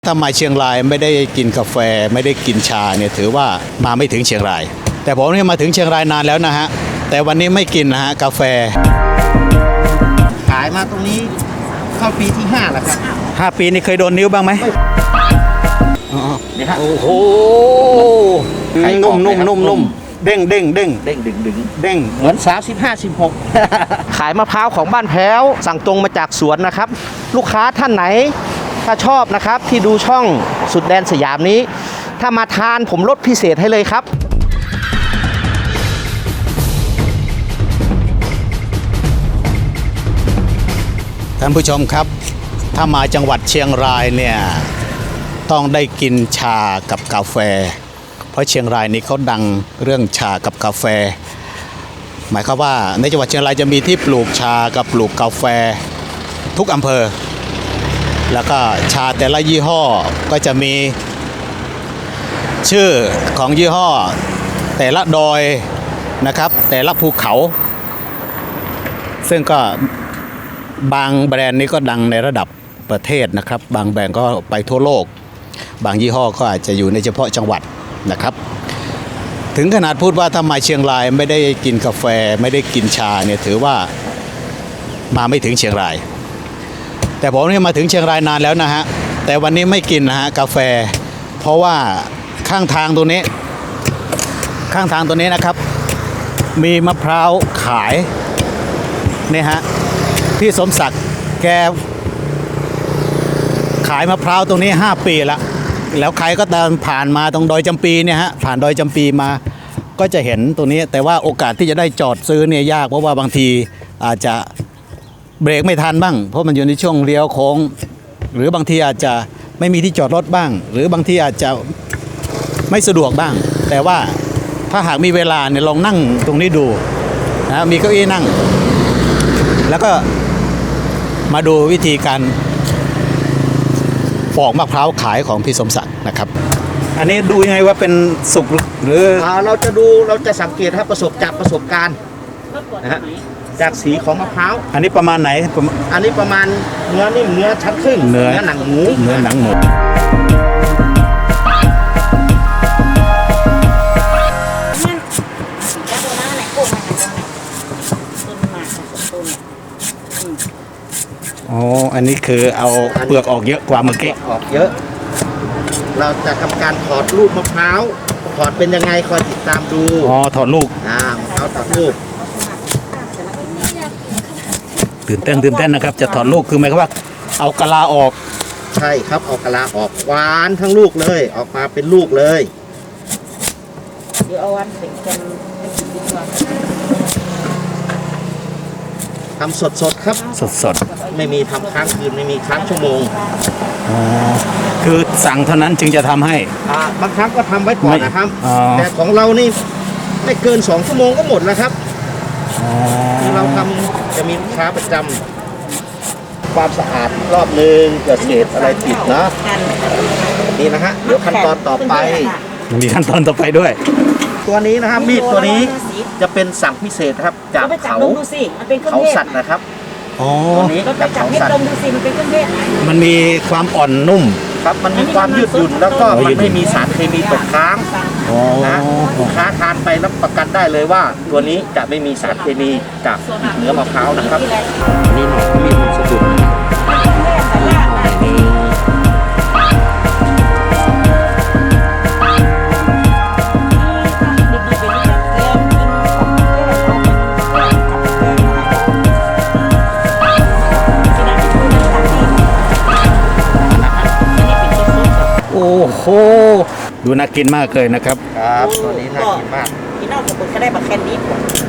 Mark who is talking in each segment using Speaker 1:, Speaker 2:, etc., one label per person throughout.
Speaker 1: ถ้ามาเชียงรายไม่ได้กินกาแฟไม่ได้กินชาเนี่ยถือว่ามาไม่ถึงเชียงราย แต่ผมเนี่ยมาถึงเชียงรายนานแล้วนะฮะแต่วันนี้ไม่กินนะฮะกาแฟ
Speaker 2: ขายมาตรงนี้เข้าปีที่5แล้วครับ
Speaker 1: 5 ปีนี่เคยโดนนิ้วบ้างไหม
Speaker 2: นี่ฮะ
Speaker 1: โอ้โหนุ่มเด้งดึง
Speaker 2: เหมือน35-16 ขายมะพร้าวของบ้านแพ้วสั่งตรงมาจากสวนนะครับลูกค้าท่านไหนถ้าชอบนะครับที่ดูช่องสุดแดนสยามนี้ถ้ามาทานผมลดพิเศษให้เลยครับ
Speaker 1: ท่านผู้ชมครับถ้ามาจังหวัดเชียงรายเนี่ยต้องได้กินชากับกาแฟเพราะเชียงรายนี้เขาดังเรื่องชากับกาแฟหมายความว่าในจังหวัดเชียงรายจะมีที่ปลูกชากับปลูกกาแฟทุกอำเภอแล้วก็ชาแต่ละยี่ห้อก็จะมีชื่อของยี่ห้อแต่ละดอยนะครับแต่ละภูเขาซึ่งก็บางแบรนด์นี้ก็ดังในระดับประเทศนะครับบางแบรนด์ก็ไปทั่วโลกบางยี่ห้อก็อาจจะอยู่ในเฉพาะจังหวัดนะครับถึงขนาดพูดว่าถ้ามาเชียงรายไม่ได้กินกาแฟไม่ได้กินชาเนี่ยถือว่ามาไม่ถึงเชียงรายแต่ผมเนี่ยมาถึงเชียงรายนานแล้วนะฮะแต่วันนี้ไม่กินนะฮะกาแฟเพราะว่าข้างทางตัวนี้นะครับมีมะพร้าวขายเนี่ยฮะพี่สมศักดิ์แกขายมะพร้าวตรงนี้5 ปีแล้วใครก็เดินผ่านมาตรงดอยจำปีเนี่ยฮะผ่านดอยจำปีมาก็จะเห็นตรงนี้แต่ว่าโอกาสที่จะได้จอดซื้อเนี่ยยากเพราะว่าบางทีอาจจะเบรกไม่ทันบ้างเพราะมันอยู่ในช่วงเลี้ยวโค้งหรือบางทีอาจจะไม่มีที่จอดรถบ้างหรือบางทีอาจจะไม่สะดวกบ้างแต่ว่าถ้าหากมีเวลาเนี่ยลองนั่งตรงนี้ดูนะมีเก้าอี้นั่งแล้วก็มาดูวิธีการปอกมะพร้าวขายของพี่สมศักดิ์นะครับอันนี้ดูยังไงว่าเป็นสุกหรือ
Speaker 2: เราจะสังเกตครับประสบการณ์นะฮะจากสีของมะพร้าว
Speaker 1: อันนี้ประมาณไหน
Speaker 2: อันนี้ประมาณเนื้อนิ่มเนื้อชั้นครึ่งเนื้อหนังหมู
Speaker 1: อ๋ออันนี้คือเอาเปลือกออกเยอะกว่าเมื่อกี้
Speaker 2: ออกเยอะเราจะทำการถอดลูกมะพร้าวถอดเป็นยังไงคอยติดตามดู
Speaker 1: อ๋อถอดลูก
Speaker 2: มะพร้าวถอดลูก
Speaker 1: ตื่นเต้นนะครับจะถอดลูกคือหมายความว่าเอากะลาออก
Speaker 2: ใช่ครับเอากะลาออกหวานทั้งลูกเลยออกมาเป็นลูกเลย
Speaker 3: เดี๋ยวเอาวันเสร็จกันไปกินดีกว่า
Speaker 2: ทำสดครับ
Speaker 1: สด
Speaker 2: ไม่มีทำค้างคืนไม่มีค้างชั่วโมง
Speaker 1: อ๋อคือสั่งเท่านั้นจึงจะทำให้
Speaker 2: บางครั้งก็ทำไว้ก่อนนะครับแต่ของเรานี่ไม่เกิน2 ชั่วโมงก็หมดแล้วครับที่เราทำจะมีลูกค้าประจำความสะอาดรอบนึงเกิดเศษอะไรติดนะนี่นะฮะเดี๋ยวขั้นตอนต่อไป
Speaker 1: มีขั้นตอนต่อไปด้วย
Speaker 2: ตัวนี้นะครับมีดตัวนี้จะเป็นสั่งพิเศษครับจากเขาสัตว์นะครับ
Speaker 1: ตัว
Speaker 3: นี้จากเขาสัตว์
Speaker 1: มันมีความอ่อนนุ่ม
Speaker 2: ครับมันมีความยืดหยุ่นแล้วก็มันไม่มีสารเคมีตกค้างนะลูกค้าทานไปรับประกันได้เลยว่าตัวนี้จะไม่มีสารเคมีจากเนื้อมะพร้าวนะครับนี่หน่อยมีดมันสะดุด
Speaker 1: โอ้โหดูน่ากินมากเลยนะครับ
Speaker 2: ครับตัวนี้น่ากินมาก
Speaker 3: พี่น้องกับคนก็ได้บักแคนดิฟ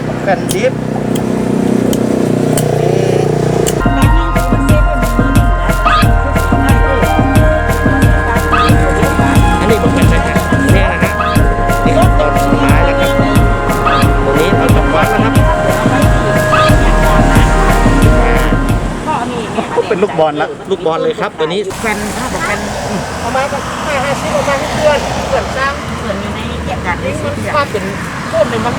Speaker 2: อันนี้ผมเป็นแบบนี้นะฮะนี่ก็ต้นไม้แล้วครับตัวนี้เราจะวัดแล้วครับ
Speaker 1: เป็นลูกบอล
Speaker 2: เลยครับตัวนี้
Speaker 3: แคนบอกแคน
Speaker 2: ประมาณ50ประมาณเดือนสร้าง
Speaker 3: เหมือนอยู่ในเหตุการณ์ที่
Speaker 2: ภาพเป็นต้นเป็นมัน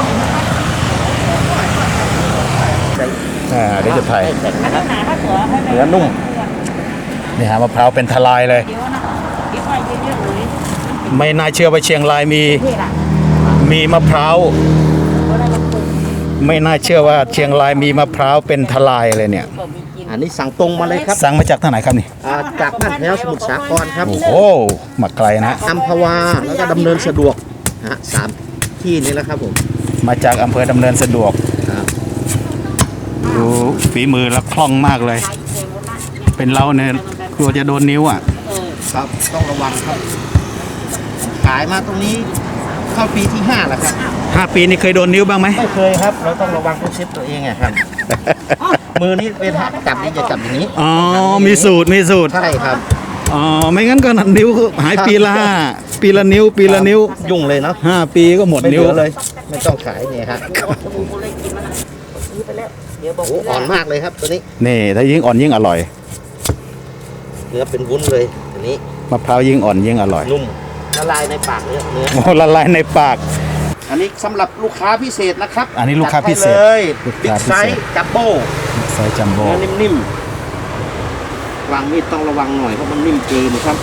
Speaker 1: เดี๋ยวจะถ่ายเนื้อนุ่มนี่ฮะมะพร้าวเป็นทลายเลย
Speaker 3: คิดว่าเยอะๆเลย
Speaker 1: ไม่น่าเชื่อว่าเชียงรายมี
Speaker 3: เท่ละ
Speaker 1: มีมะพร้าว
Speaker 3: ก็ได้มาปลูก
Speaker 1: ไม่น่าเชื่อว่าเชียงรายมีมะพร้าวเป็นทลายเลยเนี่ย
Speaker 3: ก็มีกิน
Speaker 2: อันนี้สั่งตรงมาเลยครับ
Speaker 1: สั่งมาจากทางไหนครับนี่
Speaker 2: จากบ้านแถวสมุทรสาครครับ
Speaker 1: โอ้โหมาไกลนะ
Speaker 2: อัมพวาแล้วก็ดำเนินสะดวกสามที่นี้แหละครับผม
Speaker 1: มาจากอำเภอดำเนินสะดวก
Speaker 2: ครับ
Speaker 1: ดูฝีมือและคล่องมากเลย
Speaker 3: ขายเองหมดละ
Speaker 1: เป็นเราเนี่ยกลัวจะโดนนิ้วอ่ะ
Speaker 2: ครับต้องระวังครับ ขายมาตรงนี้เข้าปีที่5แล้วครับ
Speaker 1: 5 ปีนี่เคยโดนนิ้วบ้างไหม
Speaker 2: ไม่เคยครับ เราต้องระวังต้องเซฟตัวเองไงครับ มือนี้เป็นจับนี่จะจับอย่างนี้
Speaker 1: อ๋อมีสูตรมีสูตร
Speaker 2: ใช่ครับ
Speaker 1: อ๋อไม่งั้นก็นิ้วหายปีละปีละนิ้ว ปีละนิ้ว
Speaker 2: ยุ่งเลยเนาะ
Speaker 1: 5 ปีก็หมด
Speaker 2: ไม่เห
Speaker 1: นิ้ว
Speaker 2: ลือเลย ไม่ต้องขายเนี่ยครับ
Speaker 3: สบู่กูเลยกินมันอะซื้อไปแล้วเดี๋ยวบอก
Speaker 2: โอ้อ่อนมากเลยครับตัวนี้
Speaker 1: นี่ถ้ายิ่งอ่อนยิ่งอร่อย
Speaker 2: เนื้อเป็นวุ้นเลยตัวนี้
Speaker 1: มะพร้าวยิ่งอ่อนยิ่งอร่อย
Speaker 2: นุ่มละลายในปากเนื้อ
Speaker 1: โอ้ละลายในปาก
Speaker 2: อันนี้สำหรับลูกค้าพิเศษนะครับ
Speaker 1: อันนี้ลูกค้าพิเศษ
Speaker 2: จัดให้เลย
Speaker 1: ลูก
Speaker 2: บิ๊
Speaker 1: ค้าก พิ
Speaker 2: ไซ
Speaker 1: เศษ
Speaker 2: ส์จัมโบ้
Speaker 1: ไซส์จัมโบ้
Speaker 2: เนื้อนิ่มๆวางมีดต้องระวังหน่อยเพราะมันนิ่มเกินครับ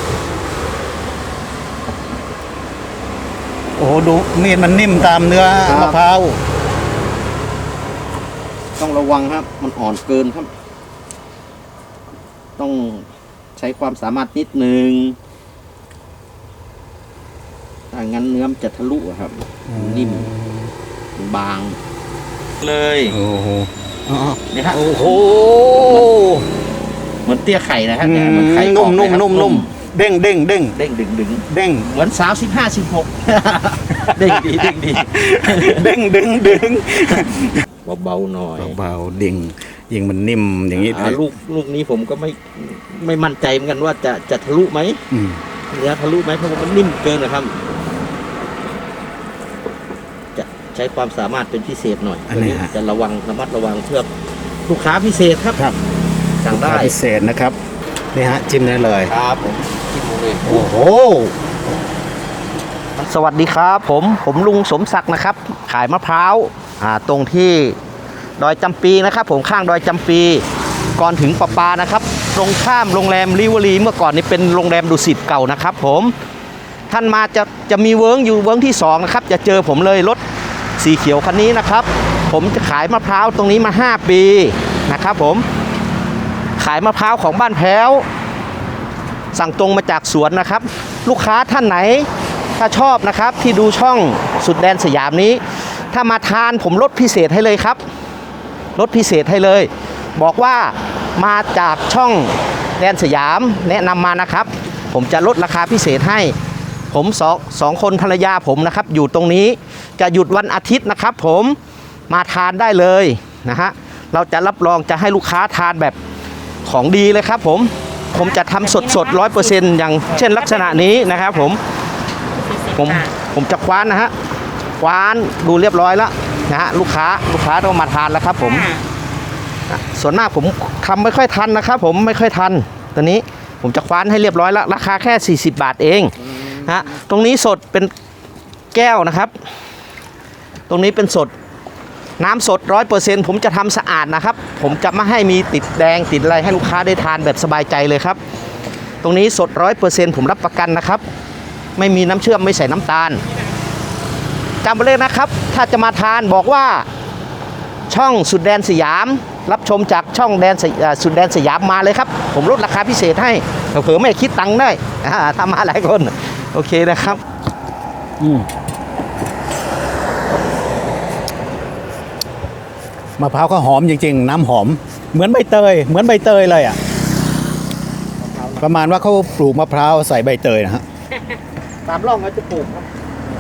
Speaker 1: โอ้โหดูมีดมันนิ่มตามเนื้อ
Speaker 2: ครับ
Speaker 1: มะพร้าว
Speaker 2: ต้องระวังครับ มันอ่อนเกินครับ ต้องใช้ความสามารถนิดนึงถ้างั้นเนื้อมันจะทะลุอะครับนิ่มบาง เลย
Speaker 1: โอ้โหอ๋อ
Speaker 2: นี่ฮะ
Speaker 1: โอ้โห
Speaker 2: เหมือนเตี้ยไข่นะฮะเนี่ยเหมือนไข่
Speaker 1: นุ่ม
Speaker 2: กร
Speaker 1: นุ่
Speaker 2: อบ
Speaker 1: ม
Speaker 2: เลยครับ
Speaker 1: นุ่มนุ่มเด้งเด้งเด้ง
Speaker 2: เด้งดึงดึง
Speaker 1: เด้ง
Speaker 2: เหมือนสาว15 16 เด้งดีเด้งดี
Speaker 1: เด้งดึงดึง
Speaker 2: เบาๆหน่อย
Speaker 1: เบาๆดิ่งยิงมันนิ่มอย่างนี้
Speaker 2: ลูกนี้ผมก็ไม่มั่นใจเหมือนกันว่าจะทะลุไหม
Speaker 1: อืม
Speaker 2: เนื้อทะลุไหมเพราะว่ามันนิ่มเกินนะครับ จะใช้ความสามารถเป็นพิเศษหน่อยตัวนี้จะระมัดระวังเพื่อลูกค้าพิเศษครับ
Speaker 1: ครับ
Speaker 2: สั่งได้
Speaker 1: พิเศษนะครับนี่ฮะจิ้มได้เลย
Speaker 2: ครับผมที่ดูเลย
Speaker 1: โอ้โห
Speaker 2: สวัสดีครับผมลุงสมศักดิ์นะครับ ขายมะพร้าวตรงที่ดอยจำปีนะครับ ผมข้างดอยจำปี ก่อนถึงประปานะครับ ตรงข้ามโรงแรมริเวอรีเมื่อก่อนนี้เป็นโรงแรมดุสิตเก่านะครับ ผมท่านมาจะมีเวิร์กอยู่เวิร์กที่2นะครับจะเจอผมเลยรถสีเขียวคันนี้นะครับ ผมจะขายมะพร้าวตรงนี้มา5 ปีนะครับ ผมขายมะพร้าวของบ้านแพ้วสั่งตรงมาจากสวนนะครับ ลูกค้าท่านไหนถ้าชอบนะครับที่ดูช่องสุดแดนสยามนี้ ถ้ามาทานผมลดพิเศษให้เลยครับลดพิเศษให้เลย บอกว่ามาจากช่องแดนสยามแนะนำมานะครับ ผมจะลดราคาพิเศษให้ ผมสองคนภรรยาผมนะครับอยู่ตรงนี้จะหยุดวันอาทิตย์นะครับ ผมมาทานได้เลยนะฮะเราจะรับรองจะให้ลูกค้าทานแบบของดีเลยครับ ผมจะทำสด100%อย่างเช่นลักษณะนี้นะครับ ผมจะคว้านนะฮะคว้านดูเรียบร้อยแล้วนะฮะลูกค้าต้องมาทานแล้วครับ ผมส่วนมากผมทำไม่ค่อยทันนะครับ ผมไม่ค่อยทันตอนนี้ผมจะคว้านให้เรียบร้อยแล้วราคาแค่40 บาทเองฮะตรงนี้สดเป็นแก้วนะครับ ตรงนี้เป็นสดน้ำสด100%ผมจะทำสะอาดนะครับ ผมจะไม่ให้มีติดแดงติดอะไรให้ลูกค้าได้ทานแบบสบายใจเลยครับ ตรงนี้สด100%ผมรับประกันนะครับ ไม่มีน้ำเชื่อมไม่ใส่น้ำตาลจำไว้เลยนะครับ ถ้าจะมาทานบอกว่าช่องสุดแดนสยาม รับชมจากช่องสุดแดนสยามมาเลยครับ ผมลดราคาพิเศษให้เผื่อไม่คิดตังค์ได้ทำมาหลายคนโอเคนะครับ
Speaker 1: มะพร้าวก็หอมจริงๆ น้ำหอมเหมือนใบเตยเลยอ่ะประมาณว่าเขาปลูกมะพร้าวใส่ใบเตยนะฮะ
Speaker 2: ตามร่องเขาจะปลูกครับ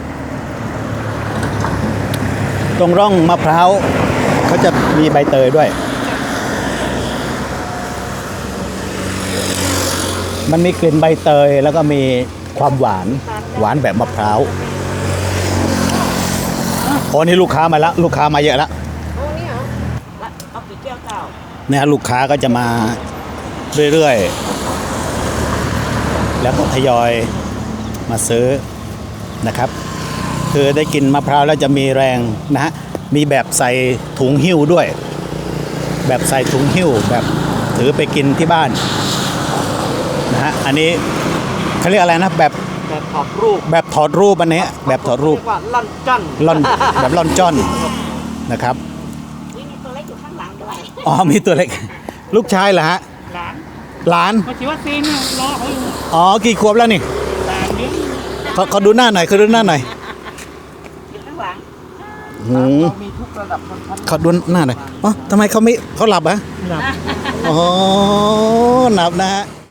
Speaker 1: ตรงร่องมะพร้าวเขาจะมีใบเตยด้วย มันมีกลิ่นใบเตยแล้วก็มีความหวานแบบมะพร้าวโอ้นี่ลูกค้ามาแล้วลูกค้ามาเยอะแล้ว
Speaker 3: เอานี่เหรอละเอากี่แก้วเก่า
Speaker 1: เนี่ยลูกค้าก็จะมาเรื่อยๆแล้วก็ทยอยมาซื้อนะครับ คือได้กินมะพร้าวแล้วจะมีแรงนะฮะมีแบบใส่ถุงหิ้วด้วย แบบใส่ถุงหิ้วแบบถือไปกินที่บ้านนะฮะอันนี้เขาเรียกอะไรนะแบบ
Speaker 2: แบบถอดรูป
Speaker 1: แบบถอดรูปอันนี้แบบถอดรูป
Speaker 2: เรียกว่าล่อนจัน
Speaker 1: ล่อนแบบล่อนจ้อนนะครับ
Speaker 3: วิ่งมีตัวเล็กอยู่ข้างหลังด้วย
Speaker 1: อ๋อมีตัวเล็ก ลูกชายเหรอฮะ
Speaker 3: หลาน
Speaker 1: หลาน
Speaker 3: มาชีวัคซีนเนี่ยรอเขาอยู่
Speaker 1: อ๋อกี่ขวบแล้วนี่
Speaker 3: หลานเลี้ยง
Speaker 1: เขาดูหน้าหน่อยเขาดูหน้าหน่อย
Speaker 3: อยู่ข้างหลัง
Speaker 1: หืม
Speaker 2: เรามีทุกระดับชนชั้น
Speaker 1: เขาดูหน้าหน่อยอ๋อทำไมเขาไม่เขาหลับอะ
Speaker 2: หลับ
Speaker 1: อ๋อหลับนะฮะ